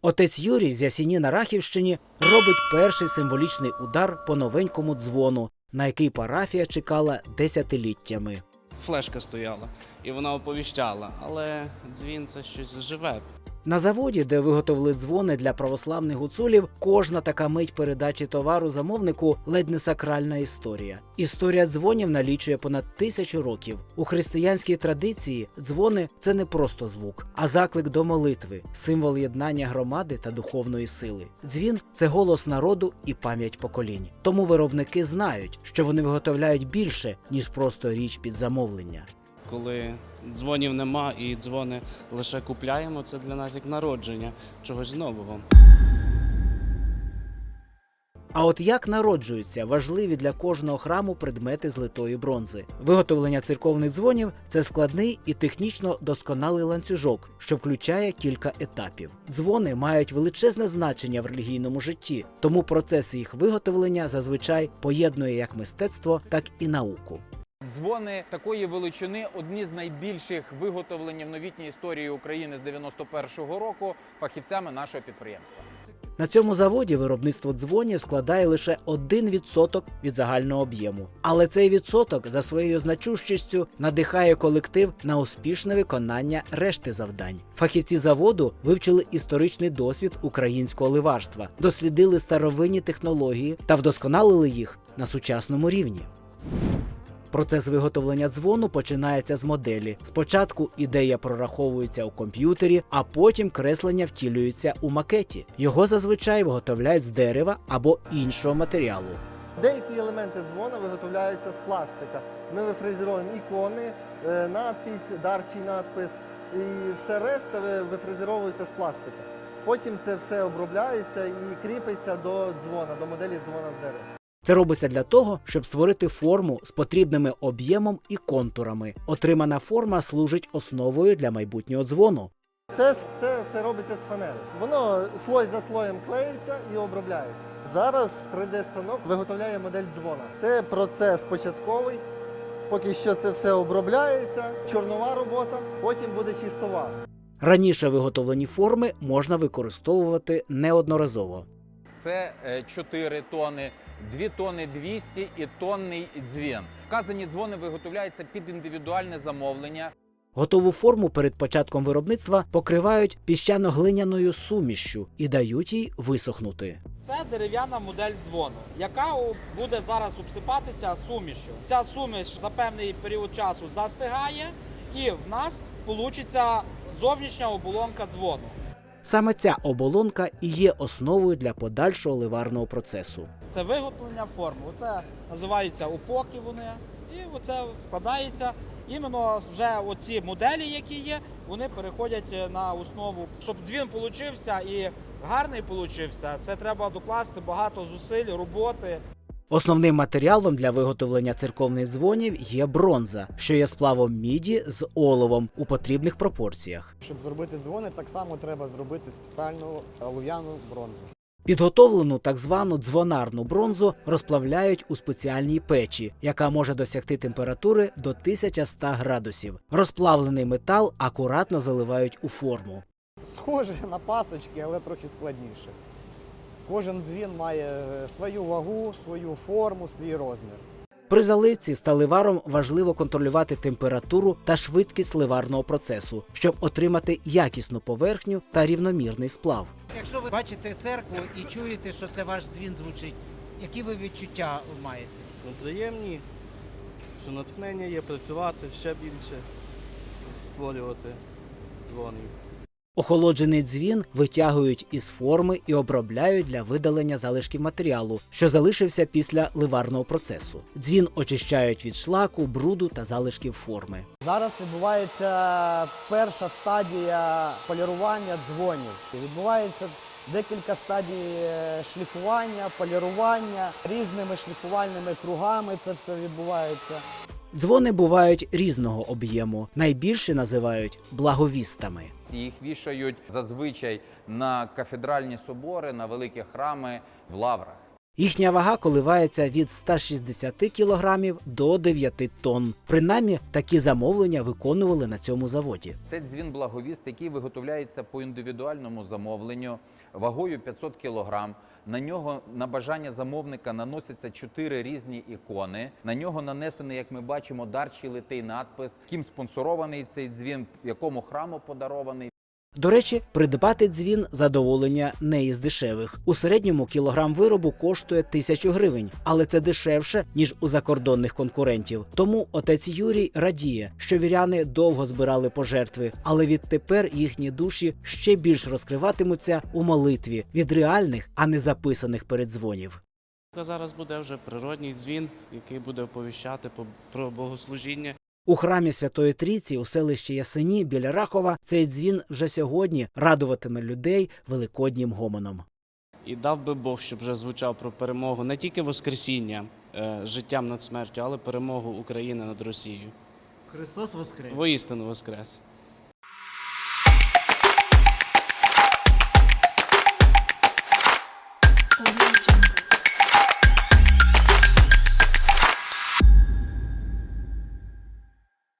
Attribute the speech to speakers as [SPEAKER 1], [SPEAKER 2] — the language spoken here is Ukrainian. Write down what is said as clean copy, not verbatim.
[SPEAKER 1] Отець Юрій з Ясіні на Рахівщині робить перший символічний удар по новенькому дзвону, на який парафія чекала десятиліттями.
[SPEAKER 2] Флешка стояла, і вона оповіщала, але дзвін – це щось живе.
[SPEAKER 1] На заводі, де виготовили дзвони для православних гуцулів, кожна така мить передачі товару замовнику – ледь не сакральна історія. Історія дзвонів налічує понад 1000 років. У християнській традиції дзвони – це не просто звук, а заклик до молитви, символ єднання громади та духовної сили. Дзвін – це голос народу і пам'ять поколінь. Тому виробники знають, що вони виготовляють більше, ніж просто річ під замовлення.
[SPEAKER 2] Коли дзвонів нема і дзвони лише купляємо, це для нас як народження чогось нового.
[SPEAKER 1] А от як народжуються важливі для кожного храму предмети з литої бронзи? Виготовлення церковних дзвонів – це складний і технічно досконалий ланцюжок, що включає кілька етапів. Дзвони мають величезне значення в релігійному житті, тому процес їх виготовлення зазвичай поєднує як мистецтво, так і науку.
[SPEAKER 3] Дзвони такої величини – одні з найбільших виготовлень в новітній історії України з 91-го року фахівцями нашого підприємства.
[SPEAKER 1] На цьому заводі виробництво дзвонів складає лише 1% від загального об'єму. Але цей відсоток за своєю значущістю надихає колектив на успішне виконання решти завдань. Фахівці заводу вивчили історичний досвід українського ливарства, дослідили старовинні технології та вдосконалили їх на сучасному рівні. Процес виготовлення дзвону починається з моделі. Спочатку ідея прораховується у комп'ютері, а потім креслення втілюється у макеті. Його зазвичай виготовляють з дерева або іншого матеріалу.
[SPEAKER 4] Деякі елементи дзвона виготовляються з пластика. Ми вифрезеруємо ікони, надпись, дарчий надпис і все решта вифрезеровується з пластика. Потім це все обробляється і кріпиться до дзвона, до моделі дзвона з дерева.
[SPEAKER 1] Це робиться для того, щоб створити форму з потрібними об'ємом і контурами. Отримана форма служить основою для майбутнього дзвону.
[SPEAKER 4] Це все робиться з фанери. Воно слой за слоєм клеїться і обробляється. Зараз 3D-станок виготовляє модель дзвона. Це процес початковий. Поки що це все обробляється, чорнова робота, потім буде чистова.
[SPEAKER 1] Раніше виготовлені форми можна використовувати неодноразово.
[SPEAKER 3] Це 4 тони, 2 тони 200 і тонний дзвін. Вказані дзвони виготовляються під індивідуальне замовлення.
[SPEAKER 1] Готову форму перед початком виробництва покривають піщано-глиняною сумішшю і дають їй висохнути.
[SPEAKER 5] Це дерев'яна модель дзвону, яка буде зараз обсипатися сумішю. Ця суміш за певний період часу застигає і в нас вийде зовнішня оболонка дзвону.
[SPEAKER 1] Саме ця оболонка і є основою для подальшого ливарного процесу.
[SPEAKER 5] Це виготовлення форми. Оце називаються упоки вони. І оце складається. Іменно вже оці моделі, які є, вони переходять на основу. Щоб дзвін получився і гарний получився, це треба докласти багато зусиль, роботи.
[SPEAKER 1] Основним матеріалом для виготовлення церковних дзвонів є бронза, що є сплавом міді з оловом у потрібних пропорціях.
[SPEAKER 6] Щоб зробити дзвони, так само треба зробити спеціальну олов'яну бронзу.
[SPEAKER 1] Підготовлену так звану дзвонарну бронзу розплавляють у спеціальній печі, яка може досягти температури до 1100 градусів. Розплавлений метал акуратно заливають у форму.
[SPEAKER 6] Схоже на пасочки, але трохи складніше. Кожен дзвін має свою вагу, свою форму, свій розмір.
[SPEAKER 1] При заливці сталеваром важливо контролювати температуру та швидкість ливарного процесу, щоб отримати якісну поверхню та рівномірний сплав.
[SPEAKER 7] Якщо ви бачите церкву і чуєте, що це ваш дзвін звучить, які ви відчуття маєте?
[SPEAKER 8] Приємні, що натхнення є працювати ще більше, створювати дзвони.
[SPEAKER 1] Охолоджений дзвін витягують із форми і обробляють для видалення залишків матеріалу, що залишився після ливарного процесу. Дзвін очищають від шлаку, бруду та залишків форми.
[SPEAKER 6] Зараз відбувається перша стадія полірування дзвонів. Відбувається декілька стадій шліфування, полірування, різними шліфувальними кругами це все відбувається.
[SPEAKER 1] Дзвони бувають різного об'єму. Найбільші називають благовістами.
[SPEAKER 3] Їх вішають зазвичай на кафедральні собори, на великі храми в лаврах.
[SPEAKER 1] Їхня вага коливається від 160 кг до 9 тонн. Принаймні, такі замовлення виконували на цьому заводі.
[SPEAKER 3] Це дзвін «Благовіст», який виготовляється по індивідуальному замовленню вагою 500 кг. На нього на бажання замовника наносяться 4 різні ікони. На нього нанесений, як ми бачимо, дарчий литий надпис, ким спонсорований цей дзвін, якому храму подарований.
[SPEAKER 1] До речі, придбати дзвін – задоволення не із дешевих. У середньому кілограм виробу коштує 1000 гривень, але це дешевше, ніж у закордонних конкурентів. Тому отець Юрій радіє, що віряни довго збирали пожертви, але відтепер їхні душі ще більш розкриватимуться у молитві від реальних, а не записаних переддзвонів.
[SPEAKER 2] Зараз буде вже природній дзвін, який буде оповіщати про богослужіння.
[SPEAKER 1] У храмі Святої Трійці у селищі Ясені біля Рахова цей дзвін вже сьогодні радуватиме людей великоднім гомоном.
[SPEAKER 2] І дав би Бог, щоб вже звучав про перемогу не тільки Воскресіння, життям над смертю, але перемогу України над Росією.
[SPEAKER 7] Христос воскрес!
[SPEAKER 2] Воістину воскрес!
[SPEAKER 9] Audio